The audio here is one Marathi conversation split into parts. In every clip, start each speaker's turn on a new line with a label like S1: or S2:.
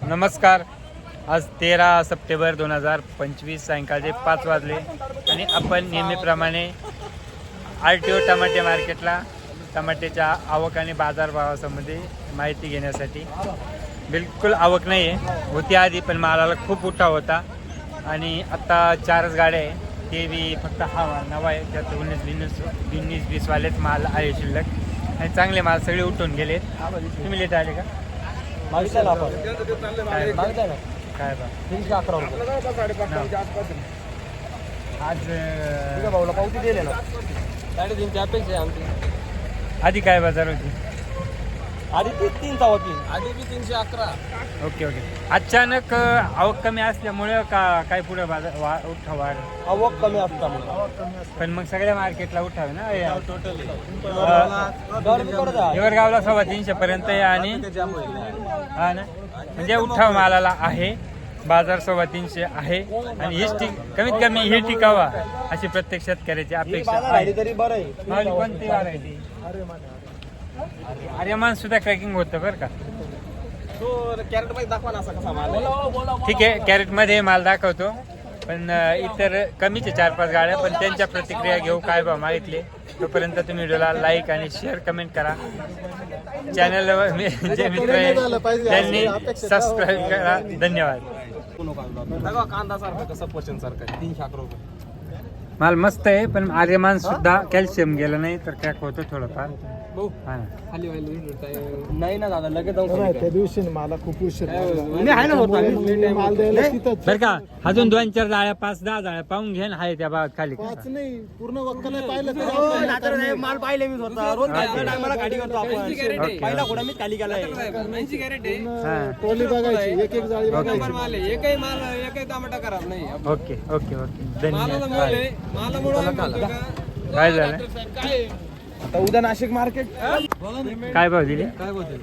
S1: नमस्कार. आज 13 सप्टेंबर 2025 सायंकाळचे 5 वाजले आणि आपण नेहमीप्रमाणे RTO टमाटे मार्केटला टमाट्याच्या आवक आणि बाजारभावासंबंधी माहिती घेण्यासाठी. बिलकुल आवक नाही आहे, होती आधी पण मालाला खूप उठाव होता आणि आत्ता 4च गाड्या आहे, ते बी फक्त हा माल नवा आहे. त्यात 19-20 वालेच माल आहे शिल्लक आणि चांगले माल सगळे उठून गेले. तुम्ही लेट आले का?
S2: काय बा
S1: आज
S2: भाऊला पावती दिले ना 3.5ची अपेक्षा आहे आमची.
S1: आधी काय बाजार होती?
S2: आधी 3 होती, आधी बी 311.
S1: ओके. अचानक आवक कमी असल्यामुळे का काय पुढे बाजार उठाव वाढ?
S2: आवक कमी असल्यामुळे.
S1: पण मग सगळ्या मार्केटला उठाव ना.
S2: टोटली
S1: हिवरगावला 350 पर्यंत आहे आणि हा ना, म्हणजे उठाव मालाला आहे. बाजार 350 आहे आणि हीच कमीत कमी हे टिकावा अशी प्रत्येक शेतकऱ्याची अपेक्षा आहे.
S2: तरी बरं आहे.
S1: माल कोणती व्हरायटी? आर्यमान सुद्धा क्रॅकिंग होतं बरं का.
S2: तो कॅरेट मध्ये दाखवा ना असा कसा माल.
S1: ठीक आहे, कॅरेटमध्ये माल दाखवतो, पण इतर कमीचे 4-5 गाड्या. पण त्यांच्या प्रतिक्रिया घेऊ, काय भाव मागितले. तोपर्यंत तुम्ही व्हिडिओला लाईक आणि शेअर कमेंट करा. चॅनलवर जे मित्र आहे त्यांनी सबस्क्राईब करा. धन्यवाद.
S2: कांदा सारखा कसं पर्सेंट सारखा 311 रुपये.
S1: माल मस्त आहे, पण आर्यमान सुद्धा कॅल्शियम गेलं नाही तर क्रॅक होतं थोडंफार. हा ना.
S2: खाली नाही ना दादा, लगेच
S3: त्या दिवशी मला खूप उशीर
S2: आहे ना
S3: माल द्यायला तिथंच.
S1: बरं का, अजून 2-4 जाळ्या 5-10 जाळ्या पाहून घे ना. आहे त्या भागात खाली.
S3: पाच नाही, पूर्ण वक्क नाही पाहिलं.
S2: माल पाहिले मी स्वतः. रोज टायमाला गाडी करतो आपण. पहिला घोडा मीच खाली गेलाय. 80 कॅरेट आहे.
S3: ट्रॉली बघायची, एक जाळी बघायची.
S2: माल आहे, एकही माल एकही टमाटा खराब नाही.
S1: ओके. धन्यवाद.
S2: काय
S1: काय झालं?
S2: आता उद्या नाशिक मार्केट
S1: काय भाव दिले?
S2: काय बोलते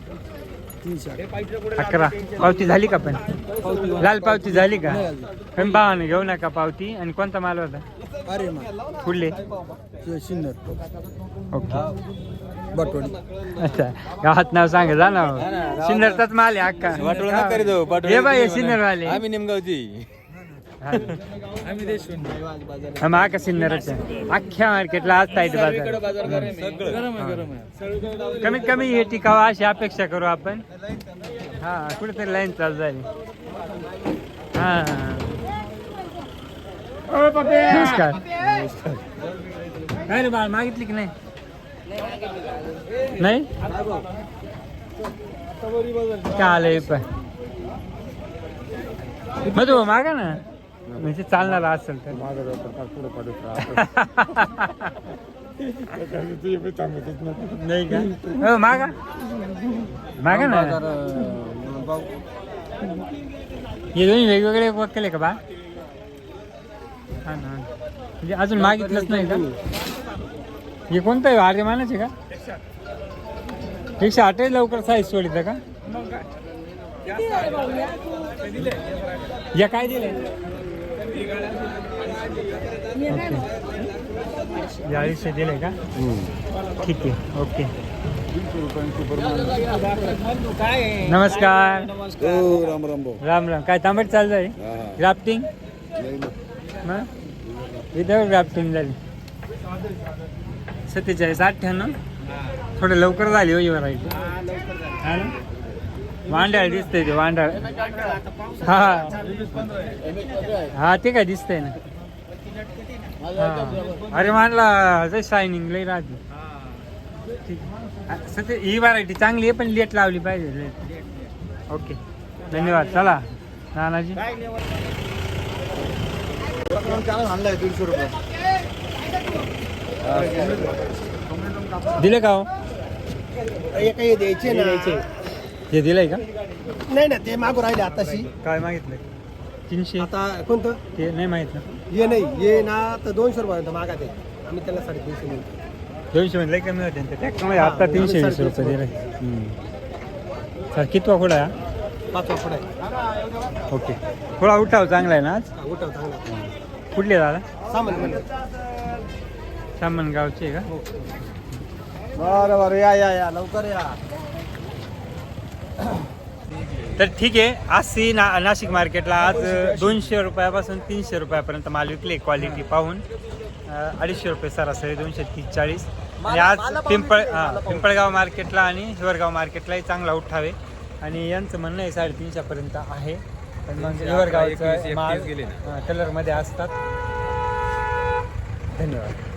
S1: 11. पावती झाली का? पण लाल पावती झाली का? पण भावाने घेऊ नका पावती. आणि कोणता माल होता?
S3: अरे
S1: कुठले?
S3: शिन्नर
S1: ओके.
S3: बटवडी.
S1: अच्छा, गावात नाव सांगा जा ना. सिन्नरचाच माल आहे अक्का. हे बाई सिन्नर वाले.
S2: आम्ही निमगावची.
S1: हा का सिन्नरच आहे. अख्ख्या मार्केटला आज टाईट बाजार. कमीत कमी हे टिकावा अशी अपेक्षा करू आपण. हा, कुठेतरी लाईन चालू झाली. हा, नमस्कार. काय रे बाळ, मागितली की नाही? नाही काय आलंय पण मधू मागा ना, म्हणजे चालणार असेल तर. नाही का? हो, मागा ना. हे दोन्ही वेगवेगळे वक्कल आहे का बा? हा ना, म्हणजे अजून मागितलंच नाही का? हे कोणतं आहे? आर्यमानाचे का? 108 लवकर साईज सोडित का? या काय दिले? 250 दिले का? ठीक आहे. ओके. नमस्कार. राम राम. काय तांबट चालू आहे? ग्राफ्टिंग विदाउट ग्राफ्टिंग झाली. 47-98. थोडं लवकर झाली हो ही व्हरायटी. हा ना, वांडाळ दिसतंय ते. वांडाळ. हा ते काय दिसतंय ना. अरे मानला जर शायनिंग लई राहते. सध्या ही व्हरायटी चांगली आहे, पण लेट लावली पाहिजे. ओके, धन्यवाद. चला नानाजी.
S2: आणलाय 150 रुपये
S1: दिले का हो?
S3: एकही द्यायचे ना.
S1: हे दिलंय का?
S3: नाही ना, ते मागू राहिले आताशी.
S1: काय मागितलं? 300.
S3: आता कोणतं
S1: ते नाही माहित ना.
S3: ये नाही, ये ना तर 200 रुपये मागा ते. आम्ही त्याला 350 म्हणतो.
S1: 200 मध्ये लई कमी होते ट्रॅक्टरमध्ये. आता 320 रुपये दिले. सर कितवा खोडा आहे?
S3: 5 फूट आहे.
S1: ओके. थोडा उठाव चांगला आहे ना आज?
S3: उठाव चांगला.
S1: कुठले दादा?
S3: सामान
S1: गावचे का?
S3: बरं या लवकर या.
S1: तर ठीक आहे. आजची नाशिक मार्केटला आज 200 रुपयापासून 300 रुपयापर्यंत माल विकले. क्वालिटी पाहून 250 रुपये सरासरी 230-40. आणि आज पिंपळगाव मार्केटला आणि हिवरगाव मार्केटलाही चांगला उठावे आणि यांचं म्हणणं आहे 350 पर्यंत आहे. पण मग हिवरगावचं माल कलरमध्ये असतात. धन्यवाद.